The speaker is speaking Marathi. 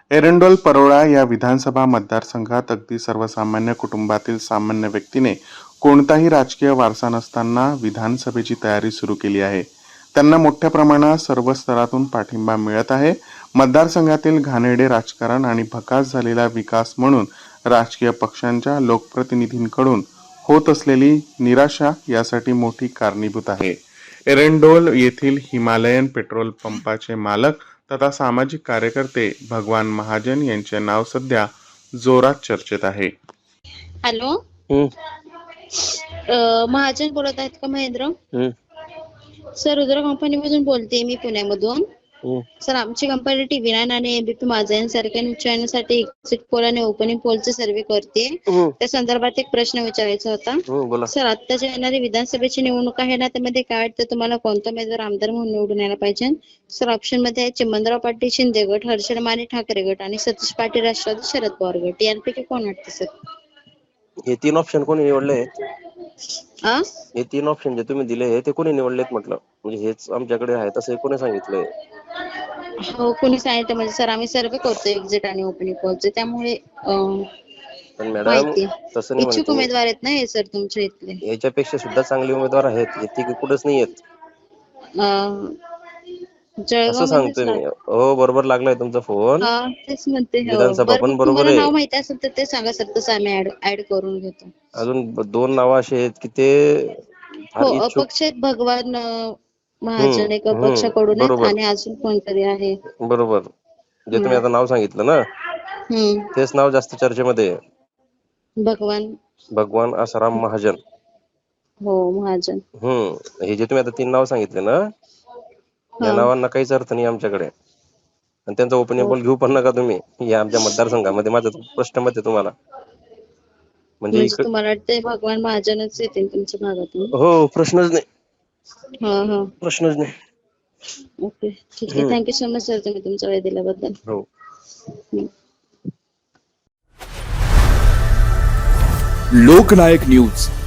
एरंडोल परोळा या विधानसभा मतदारसंघात अगदी सर्वसामान्य कुटुंबातील सामान्य व्यक्तीने कोणताही राजकीय वारसा नसताना विधानसभेची तयारी सुरू केली आहे. त्यांना मोठ्या प्रमाणात सर्व स्तरातून पाठिंबा मिळत आहे. मतदारसंघातील घाणेरडे राजकारण आणि भकास झालेला विकास म्हणून राजकीय पक्षांच्या लोकप्रतिनिधींकडून होत असलेली निराशा यासाठी मोठी कारणीभूत आहे. एरंडोल येथील हिमालयन पेट्रोल पंपाचे मालक तथा सामाजिक कार्यकर्ते भगवान महाजन यांचे नाव सध्या जोरात चर्चेत आहे. हॅलो, महाजन बोलत आहेत का महेंद्र? सर, रुद्र कंपनीमधून बोलते मी, पुण्यामधून. सर, आमची कंपनी TV9 आणि एबीपी माझा यांसारख्या न्यूज चॅनलसाठी एक्झिट पोल आणि ओपनिंग पोलचे सर्वे करते. त्या संदर्भात एक प्रश्न विचारायचा होता. सर, आत्ताच्या येणारी विधानसभेची निवडणूक आहे ना, त्यामध्ये काय वाटतं तुम्हाला, कोणता उमेदवार आमदार म्हणून निवडून यायला पाहिजे? सर, ऑप्शन मध्ये आहे चिमणराव पाटील शिंदे गट, हर्षद माने ठाकरे गट आणि सतीश पाटील राष्ट्रवादी शरद पवार गट. यांपैकी कोण वाटतं सर? हे तीन ऑप्शन कोणी निवडले? हे तीन ऑप्शन जे तुम्ही दिले ते कोणी निवडलेत म्हटलं? म्हणजे हेच आमच्याकडे आहे तसं कोणी सांगितलंय? हो, कोणी सांगितलं म्हणजे सर आम्ही सर्वे करतो एक्झिट आणि ओपनिंग पोलचे, त्यामुळे पण मॅडम तसं नाही, इच्छुक उमेदवार आहेत ना हे सर तुमच्या इथले. याच्यापेक्षा सुद्धा चांगले उमेदवार आहेत, हे कुठेच नाही आहेत असं सांगतोय मी. हो, बरोबर लागलाय तुमचा फोन. तेच म्हणते. विधानसभा पण बरोबर आहे. नाव माहिती असेल तर ते सांगा सर, तसं आम्ही ऍड करून घेतो. अजून दोन नाव असे आहेत की ते अपक्ष आहेत. भगवान महाजन एक अपक्षाकडून आहेत आणि अजून कोणतरी आहे. बरोबर, जे तुम्ही आता नाव सांगितलं ना तेच नाव जास्त चर्चेमध्ये आहे. भगवान आसाराम महाजन. हो, महाजन. हे जे तुम्ही आता तीन नाव सांगितले ना, या नावांना काहीच अर्थ नाही आमच्याकडे, आणि त्यांचा ओपिनियन पोल घेऊ पण नका तुम्ही या आमच्या मतदारसंघामध्ये. माझं प्रश्न मत आहे तुम्हाला. म्हणजे तुम्हाला वाटतंय भगवान महाजनच येतील तुमच्या भागातून? हो, प्रश्नच नाही. प्रश्नच नाही. ओके, ठीक आहे. थँक्यू सो मच सर, तुम्ही तुमचा वेळ दिल्याबद्दल. हो. लोकनायक न्यूज